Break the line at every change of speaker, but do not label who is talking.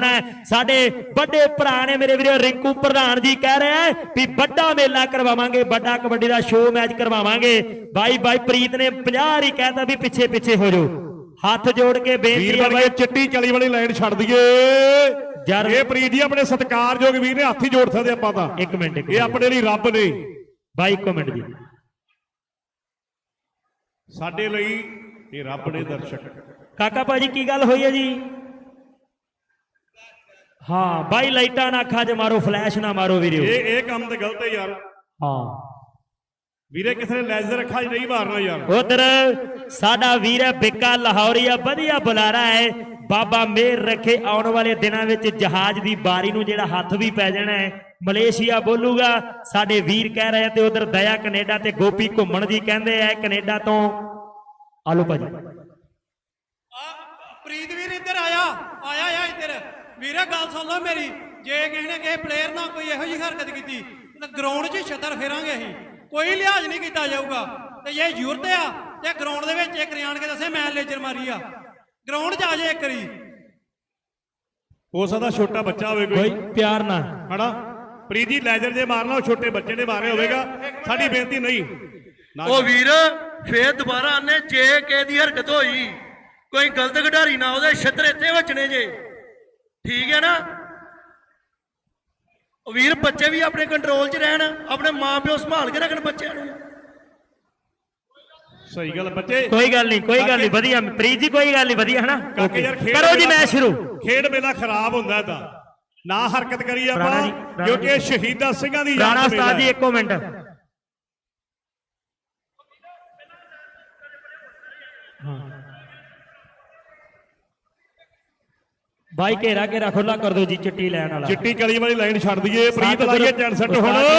ਹੋਣਾ। साडे बड़े भरा ने मेरे वीरो रिंकू प्रधान जी कह रहे हैं भी बड़ा मेला करवावांगे, बड़ा कबड्डी का शो मैच करवावांगे। भाई भाई प्रीत ने 50 ही कहता भी पिछे पिछे हो जाओ। हाथ जोड़ के बेनती है भाई
चिट्टी चली वाली लाइन छड़ दईए यार। ये प्रीत जी अपने सत्कारयोग वीर ने हाथ ही जोड़ सकते आपां तां।
एक मिनट
ये अपने लिए रब ने
भाई, 1 मिनट जी
साडे लई ये रब ने दर्शक।
काका भाजी की गल हुई है जी? हाँ भाई लाइटा ना अखा च मारो, फ्लैश ना मारो वीरो,
ये काम तो गलत है यार।
हाँ
वीरे किसी ने लेजर अखा च नहीं मारना यार।
उधर साडा वीर बिक्का लाहौरिया वधिया बुलारा है। बाबा मेहर रखे आने वाले दिनों में जहाज की बारी नूं जिहड़ा हथ भी पै जाना है। मलेशिया बोलूगा साडे वीर कह रहे हैं। तो उधर दया कनेडा ते गोपी घुम्मण जी कहते हैं कनेडा तो। आलो भाजी
प्रीत वीर इधर आया आया इधर वीरे गल सुन लो मेरी। जे किसी ने किसी प्लेयर ना कोई इहो जी हरकत की तो ग्राउंड 'च छत्तर फेरांगे असीं, कोई लिहाज नहीं किया जाऊगा। तो ये जरूरत आ ग्राउंड के एक आण के दसे मैं लेजर मारी आ, ग्राउंड च आ जाए एक करी।
हो सकता छोटा बच्चा होवे
कोई प्यार ना
हड़ा प्रीत जी लेजर जे मारना छोटे बच्चे ने मारे होगा। साडी बेनती नहीं
ओ वीर फिर दोबारा आने जे के दी हरकत होई कोई गलत खिडारी ना ओदे छत्र इत्थे वचने जे, ठीक है ना। वीर बच्चे भी अपने कंट्रोल च रहन, अपने मां प्यो संभाल के रखन बच्चों नूं।
सही गल बच्चे
कोई गल नहीं वधिया प्रीत जी कोई गल नहीं वधिया है ना। करो जी मैच शुरू।
खेड मेला खराब हुंदा दा ना हरकत करिए आपां क्योंकि शहीदा सिंहां दी
राणा उस्ताद जी 1 मिनट भाई घेरा घेरा खुला कर दो जी। चिट्टी लैन वाला
चिट्टी कली वाली लाइन छड़ दईए प्रीत लाइए चैन सेट हुण।